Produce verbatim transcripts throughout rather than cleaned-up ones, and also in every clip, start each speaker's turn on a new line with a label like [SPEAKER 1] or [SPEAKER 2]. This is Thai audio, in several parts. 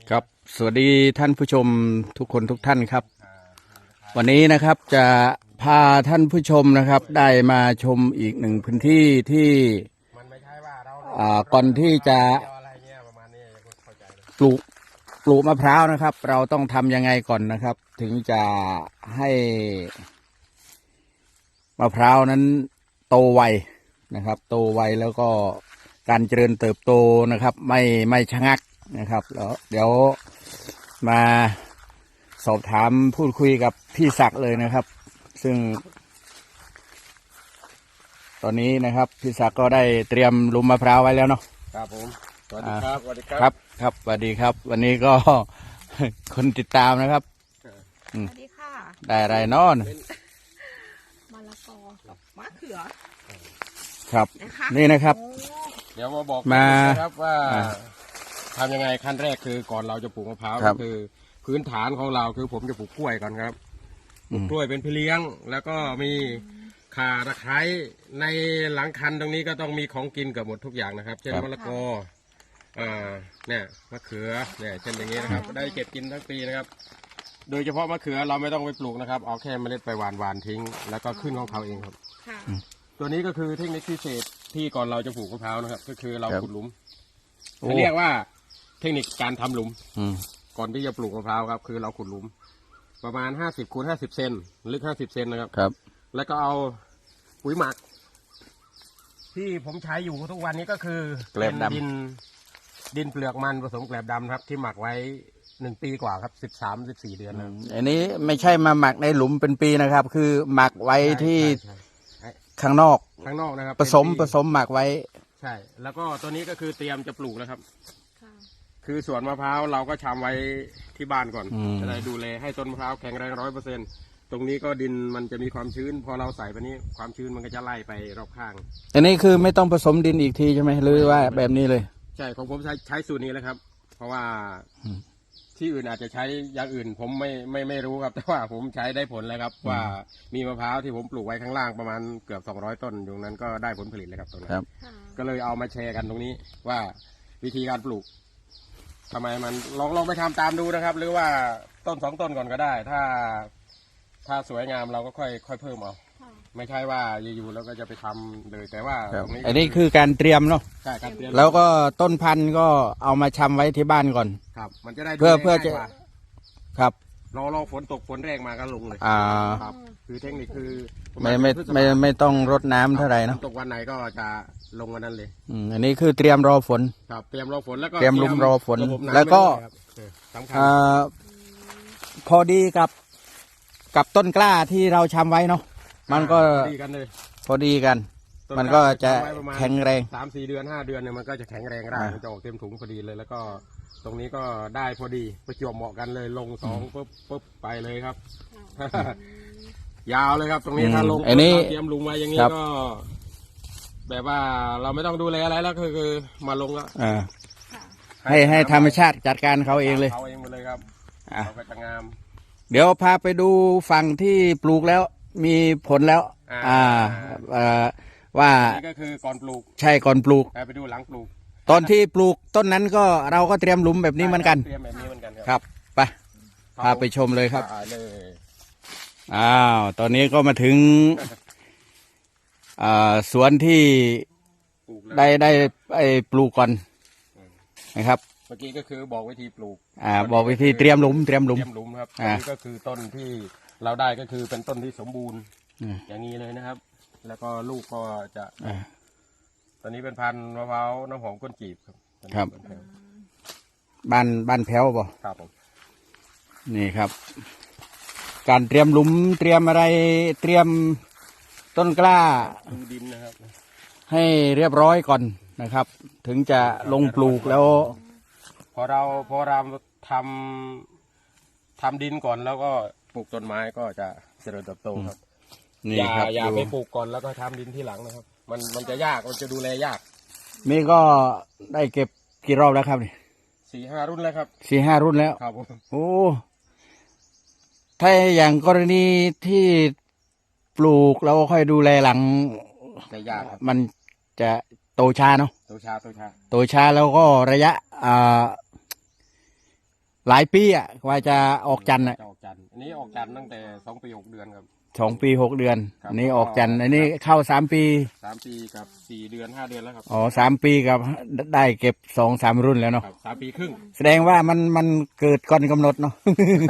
[SPEAKER 1] ครับสวัสดีท่านผู้ชมทุกคนทุกท่านครับวันนี้นะครับจะพาท่านผู้ชมนะครับได้มาชมอีกหนึ่งพื้นที่ที่ก่อนที่จะปลูกปลูกมะพร้าวนะครับเราต้องทำยังไงก่อนนะครับถึงจะให้มะพร้าวนั้นโตไวนะครับโตไวแล้วก็การเจริญเติบโตนะครับไม่ไม่ชะงักนะครับแล้วเดี๋ยวมาสอบถามพูดคุยกับพี่ศักดิ์เลยนะครับซึ่งตอนนี้นะครับพี่ศักดิ์ก็ได้เตรียมหลุมมะพร้าวไว้แล้วเนาะ
[SPEAKER 2] ครับผมสวัสดีครับสวัสดีครับ
[SPEAKER 1] ครับครับสวัสดีครับวันนี้ก็ คนติดตามนะครับ
[SPEAKER 3] สวัสดีค่ะ
[SPEAKER 1] ได้อะไรนอน
[SPEAKER 3] มะละกอกับมะเขือ
[SPEAKER 1] ครับนี่นะครับ
[SPEAKER 2] เดี๋ยวมาบอกนะครับว่าทำยังไงขั้นแรกคือก่อนเราจะปลูกมะพร้าวก็คือพื้นฐานของเราคือผมจะปลูกกล้วยก่อนครับปลูกกล้วยเป็นพี่เลี้ยงแล้วก็มีข่าตะไคร้ในหลังคันตรงนี้ก็ต้องมีของกินเกือบหมดทุกอย่างนะครับเช่นมะละกออ่าเนี่ยมะเขือเนี่ยเช่นอย่างนี้นะครับได้เก็บกินทั้งปีนะครับโดยเฉพาะมะเขือเราไม่ต้องไปปลูกนะครับเอาแค่เมล็ดไปหวานหวานทิ้งแล้วก็ขึ้นของเขาเองครับตัวนี้ก็คือเทคนิคพิเศษที่ก่อนเราจะปลูกมะพร้าวนะครับก็คือเราขุดหลุมเรียกว่าเทคนิคการทำหลุมก่อนที่จะปลูกมะพร้าวครับคือเราขุดหลุมประมาณห้าสิบคูณห้าสิบเซนลึกห้าสิบเซนนะครับ
[SPEAKER 1] ครับ
[SPEAKER 2] แล้วก็เอาปุ๋ยหมักที่ผมใช้อยู่ทุกวันนี้ก็คือเป็นดินดินเปลือกมันผสมแกลบดำครับที่หมักไว้หนึ่งปีกว่าครับสิบสามสิบสี่เดือนนะ
[SPEAKER 1] อันนี้ไม่ใช่มาหมักในหลุมเป็นปีนะครับคือหมักไว้ที่ข้างนอก
[SPEAKER 2] ข้างนอกนะครับ
[SPEAKER 1] ผสมผสมหมักไว้
[SPEAKER 2] ใช่แล้วก็ตัวนี้ก็คือเตรียมจะปลูกแล้วครับคือสวนมะพร้าวเราก็ชำไว้ที่บ้านก่อนจะได้ดูแลให้ต้นมะพร้าวแข็งแรงร้อยเปอร์เซ็นต์ตรงนี้ก็ดินมันจะมีความชื้นพอเราใส่ไปนี้ความชื้นมันก็จะไล่ไปรอบข้าง
[SPEAKER 1] อันนี้คือไม่ต้องผสมดินอีกทีใช่ไหมหรือว่าแบบนี้เลย
[SPEAKER 2] ใช่ของผมใช้ใช้สูตรนี้แล้วครับเพราะว่าที่อื่นอาจจะใช้อย่างอื่นผมไม่ไม่ไม่รู้ครับแต่ว่าผมใช้ได้ผลแล้วครับว่ามีมะพร้าวที่ผมปลูกไว้ข้างล่างประมาณเกือบสองร้อยต้นอยู่นั้นก็ได้ผลผลิตแล้วครับตรงนั้นก็เลยเอามาแชร์กันตรงนี้ว่าวิธีการปลูกทำไมมันลองลองไปทำตามดูนะครับหรือว่าต้นสองต้นก่อนก็ได้ถ้าถ้าสวยงามเราก็ค่อยค่อยเพิ่มเอาไม่ใช่ว่าอยู่ๆแล้วก็จะไปทำเลยแต่ว่า
[SPEAKER 1] ตรงนี้อันนี้คือการเตรียมเนาะ
[SPEAKER 2] ใช่การเตรียม
[SPEAKER 1] แล้วก็ต้นพันธุ์ก็เอามาชำไว้ที่บ้านก่อน
[SPEAKER 2] ครับมันจะได้
[SPEAKER 1] เพื่อเพื่อจะครับ
[SPEAKER 2] รอรอฝนตกฝนแรงมาก็ลงเลย
[SPEAKER 1] อ่า
[SPEAKER 2] ครับคือเทคนิคคือ
[SPEAKER 1] ไม่ไม่ไม่ไม่ต้องรดน้ำเท่าไหร่เนาะ
[SPEAKER 2] ตกวันไหนก็จะลงวันนั้นเลย
[SPEAKER 1] อืมอันนี้คือเตรียมรอฝน
[SPEAKER 2] ครับเตรียมรอฝนแล้วก็
[SPEAKER 1] เตรียมลุมรอฝนแล้วก็อ่าพอดีกับกับต้นกล้าที่เราชำไว้เนาะมันก็พอดีกันมันก็จะแข็งแรง
[SPEAKER 2] สามสี่เดือนห้าเดือนเนี่ยมันก็จะแข็งแรงได้มันจะออกเต็มถุงพอดีเลยแล้วก็ตรงนี้ก็ได้พอดีประจวบเหมาะกันเลยลงสองปุ๊บปุ๊บไปเลยครับยาวเลยครับตรงนี้ถ้าลงเตรียมลุงไว้อย่างนี้ก็แบบว่าเราไม่ต้องดูแลอะไรแล้วคือคือมาลงแล้ว
[SPEAKER 1] ให้ให้ธรรมชาติจัดการเขาเองเลย
[SPEAKER 2] เขาเองหมดเลยครับเขาก็จะงาม
[SPEAKER 1] เดี๋ยวพาไปดูฝั่งที่ปลูกแล้วมีผลแล้วอ่าว่า
[SPEAKER 2] นี่ก็คือก่อนปลูก
[SPEAKER 1] ใช่ก่อนปลูก
[SPEAKER 2] ไปดูหลังปลูก
[SPEAKER 1] ตอนที่ปลูกต้นนั้นก็เราก็เตรียมหลุมแบบนี้เหมือนกัน
[SPEAKER 2] เตรียมแบบนี้เหมือนกัน
[SPEAKER 1] ครับไปพาไปชมเลยครับอ้าวตอนนี้ก็มาถึงสวนที่ได้ได้ไอ้ปลูกก่อนนะครับ
[SPEAKER 2] เมื่อกี้ก็คือบอกวิธีปลูก
[SPEAKER 1] อ่าบอกวิธีเตรียมหลุมเตรียมหลุม
[SPEAKER 2] เตรียมหลุมครับอันนี้ก็คือต้นที่เราได้ก็คือเป็นต้นที่สมบูรณ์อย่างนี้เลยนะครับแล้วก็ลูกก็จะตอนนี้เป็นพันธุ์มะพร้าวน้ำหอมก้นจีบครับ
[SPEAKER 1] ครับบ้านบ้านแพ้วป่ะ
[SPEAKER 2] ครับผม
[SPEAKER 1] นี่ครับการเตรียมหลุมเตรียมอะไรเตรียมต้นกล้า
[SPEAKER 2] ดูดินนะครับ
[SPEAKER 1] ให้เรียบร้อยก่อนนะครับถึงจะลงปลูกแล้ว
[SPEAKER 2] พอเราพอเราทำทำดินก่อนแล้วก็ปลูกต้นไม้ก็จะเจริญเติบโตครับอย่าอย่าไปปลูกก่อนแล้วก็ทำดินที่หลังนะครับมันมันจะยากมันจะดูแลยาก
[SPEAKER 1] นี่ก็ได้เก็บกี่รอบแล้วครับนี่
[SPEAKER 2] สี่ห้ารุ่นแล้วครับ
[SPEAKER 1] สี่ห้ารุ่นแล้ว
[SPEAKER 2] ครับ
[SPEAKER 1] โอ้ถ้าอย่างกรณีที่ปลูกแล้วค่อยดูแลหลัง
[SPEAKER 2] จะยากครับ
[SPEAKER 1] มันจะโตช้าเนาะ
[SPEAKER 2] โตช้าโตช้า
[SPEAKER 1] โตช้าแล้วก็ระยะอ่าหลายปีอ่ะกว่าจะออกจันทร์อ่ะ
[SPEAKER 2] จะออกจันทร์อันนี้ออกจันทร์ตั้งแต่สองปีหกเดือนครับ
[SPEAKER 1] สองปีหกเดือน
[SPEAKER 2] ครับ
[SPEAKER 1] อันนี้ออกจันทร์อันนี้เข้าสามปี
[SPEAKER 2] สามปีกับสี่เดือนห้าเดือนแล้วครับ
[SPEAKER 1] อ๋อสามปีกับได้เก็บสองสามรุ่นแล้วเนาะ
[SPEAKER 2] ครับสามปีครึ่ง
[SPEAKER 1] แสดงว่ามันมันเกิดก่อนกำหนดเนาะ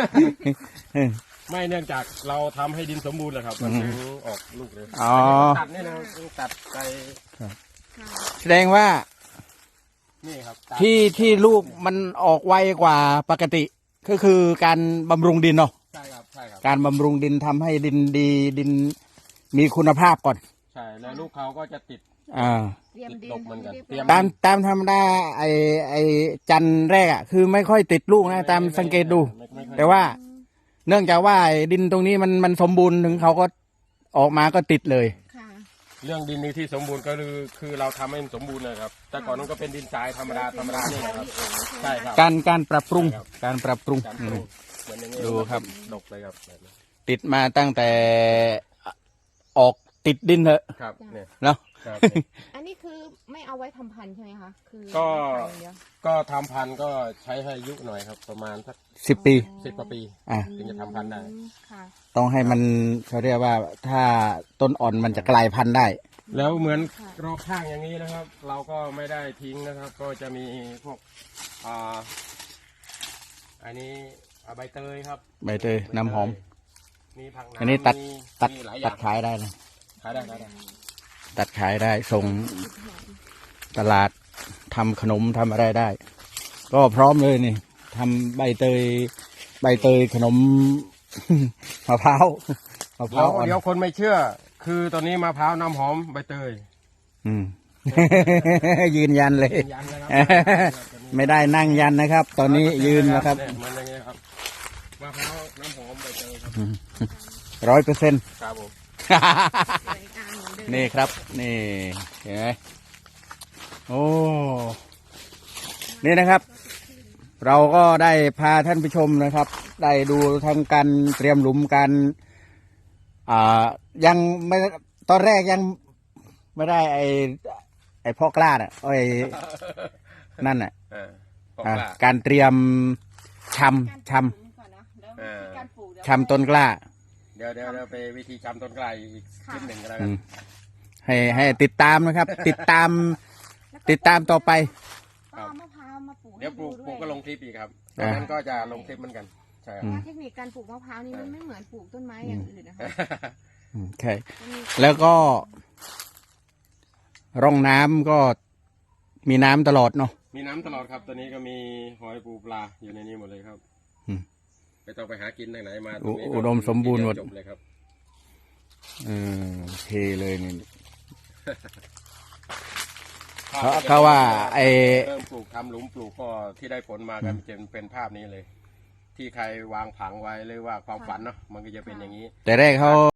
[SPEAKER 2] ไม่เนื่องจากเราทำให้ดินสมบูรณ์เลยครับมันถึงออกลูกเลย
[SPEAKER 1] อ๋อ
[SPEAKER 2] ตัดนี่นะครับตัดไป
[SPEAKER 3] ค่ะ
[SPEAKER 1] แสดงว่า
[SPEAKER 2] นี่ครับตัด
[SPEAKER 1] ที่ที่ลูกมันออกไวกว่าปกติ ก็คือการบำรุงดินเนาะ
[SPEAKER 2] ใช่ครับใช่ครับ
[SPEAKER 1] การบำรุงดินทำให้ดินดีดินมีคุณภาพก่อน
[SPEAKER 2] ใช่แล้วลูกเขาก็จะติด
[SPEAKER 1] อ่า
[SPEAKER 3] เตรียมดิน
[SPEAKER 2] ดกเหมือนกัน
[SPEAKER 3] รียบ
[SPEAKER 2] เตรียม
[SPEAKER 3] ร้อย
[SPEAKER 1] ตามตามธรรมดาไอไอจันทร์แรกอ่ะคือไม่ค่อยติดลูกนะตามสังเกตดู
[SPEAKER 2] ไม่ไม่ค่อย
[SPEAKER 1] แต่ว่าเนื่องจากว่าไอ้ดินตรงนี้มันมันสมบูรณ์ถึงเขาก็ออกมาก็ติดเลย
[SPEAKER 3] ค่ะ
[SPEAKER 2] เรื่องดินนี้ที่สมบูรณ์ก็คือคือเราทำให้มันสมบูรณ์เลยครับ แต่ก่อนนั้นก็เป็นดินทรายธรรมดาธรรมดานี่แหละครับใช่ครับ
[SPEAKER 1] การการปรับปรุง
[SPEAKER 2] ครับ
[SPEAKER 1] การปรับปรุง
[SPEAKER 2] การป
[SPEAKER 1] อื
[SPEAKER 2] ลู
[SPEAKER 1] ม
[SPEAKER 2] กเหมือนอย่างนี้
[SPEAKER 1] ดูครับ
[SPEAKER 2] ดกเลยครับแบบนี้
[SPEAKER 1] ติดมาตั้งแต่ออกติดดินเถอะ
[SPEAKER 2] ครับเนี่ย
[SPEAKER 1] เนาะ
[SPEAKER 2] ครับเนี่ย
[SPEAKER 3] อันนี้คือไม่เอาไว้ทำพันธุ์ใช่ไหมคะคือ
[SPEAKER 2] ก็
[SPEAKER 3] ขายอย่างเดียว
[SPEAKER 2] ก็ทำพันธุ์ก็ใช้ให้อายุหน่อยครับ ประมาณสัก
[SPEAKER 1] สิบปี
[SPEAKER 2] สิบกว่าปี
[SPEAKER 1] อ่ะ
[SPEAKER 2] ถึงจะทำพันธุ์ได้
[SPEAKER 3] อืมค่ะ
[SPEAKER 1] ต้องให้มันเขาเรียกว่าถ้าต้นอ่อนมันจะกลายพันธุ์ได้
[SPEAKER 2] แล้วเหมือน
[SPEAKER 3] ค่ะ
[SPEAKER 2] รอบข้างอย่างนี้นะครับ เราก็ไม่ได้ทิ้งนะครับ ก็จะมีพวกอ่าอันนี้อ่าใบเตยครับ
[SPEAKER 1] ใบเตยน้ำหอม
[SPEAKER 2] มีผักน้ำ
[SPEAKER 1] อันนี้ตัด
[SPEAKER 2] มี
[SPEAKER 1] ตัด
[SPEAKER 2] มีหลายอ
[SPEAKER 1] ตั
[SPEAKER 2] ย่า
[SPEAKER 1] ด
[SPEAKER 2] ง
[SPEAKER 1] ขายได้นะ
[SPEAKER 2] ขายได้ขายได้
[SPEAKER 1] ตัดขายได้ส่งตลาดทำขนมทำอะไรได้ ก็พร้อมเลยนี่ทำใบเตย ใบเตยขนม มะพร้าวมะพ
[SPEAKER 2] เดี๋
[SPEAKER 1] ร้า
[SPEAKER 2] ยว ว
[SPEAKER 1] อ่อน
[SPEAKER 2] เดี๋ยวคนไม่เชื่อ คือตอนนี้มะพร้าวน้ำหอมใบเตย
[SPEAKER 1] อืม ยืนยันเลย
[SPEAKER 2] ยืนยันนะครับ
[SPEAKER 1] ไม่ได้นั่งยันนะครับ ตอนนี้ยืนนะครับ
[SPEAKER 2] เยมันอย่างเงี้ยครับมะพร้าวน้ำหอมใบเตยครับ
[SPEAKER 1] ร้อยเปอร์เซ็นต์
[SPEAKER 2] ครับผม
[SPEAKER 3] สวยงามเหมือนเดิม
[SPEAKER 1] นี่ครับ นี่เห็นไหมโอ้นี่นะครับ เราก็ได้พาท่านผู้ชมนะครับ ได้ดูทั้งการเตรียมหลุมการอ่ายังไม่ตอนแรกยังไม่ได้ไอไอพ่อกล้าน่ะไอนั่นน่ะ
[SPEAKER 2] เออบอก
[SPEAKER 1] อ่า
[SPEAKER 2] ว่า
[SPEAKER 1] การเตรียมชำช
[SPEAKER 3] ก่อนนะเดี๋ยว
[SPEAKER 2] เออ
[SPEAKER 3] การปลูกเดี๋ยว
[SPEAKER 1] ำชำต้นกล้า
[SPEAKER 2] เดี๋ยวเดี๋ยวเราไปวิธีจำต้นไกลอีกคลิปหนึ่งก็แล้ว
[SPEAKER 1] อื
[SPEAKER 2] กัน
[SPEAKER 1] มให้ให้ติดตามนะครับ ติดตาม
[SPEAKER 3] แล้ว
[SPEAKER 1] ติดตามต่อไป
[SPEAKER 3] ก็เอามะพร้าวมาปลูก
[SPEAKER 2] เดี๋ยวปลูก
[SPEAKER 3] ให้
[SPEAKER 2] ปลูกก็
[SPEAKER 3] ด้
[SPEAKER 2] ล
[SPEAKER 3] วย
[SPEAKER 2] งคลิปอีกครับตอนนั้นก็จะลงคลิปเหมือนกันใช่ครับ
[SPEAKER 3] เพราะว่าเทคนิคการปลูกมะพร้าวนี่มันไม่เหมือนปลูกต้นไม้อย่างอื่นนะคะ
[SPEAKER 1] โอเค
[SPEAKER 3] มันมี
[SPEAKER 1] แล้วก็ ร่องน้ำก็มีน้ำตลอดเนาะ
[SPEAKER 2] มีน้ำตลอดครับตัวนี้ก็มีหอยปูปลาอยู่ในนี้หมดเลยครับ
[SPEAKER 1] อืม
[SPEAKER 2] ไม่ต้องไปหากินทางไหนมา
[SPEAKER 1] อุ
[SPEAKER 2] ตรงนี้ก็
[SPEAKER 1] อุดมสมบูรณ์หมด
[SPEAKER 2] จบเลยครับ
[SPEAKER 1] เออโอเคเลยนี่ เขาเขาว่าไอ้
[SPEAKER 2] เริ่มปลูกทำหลุมปลูกก็ที่ได้ผลมากันจะเป็นภาพนี้เลย ที่ใครวางผังไว้หรือว่าความฝันเนาะมันก็จะเป็นอย่างนี้
[SPEAKER 1] แต่แรกเขา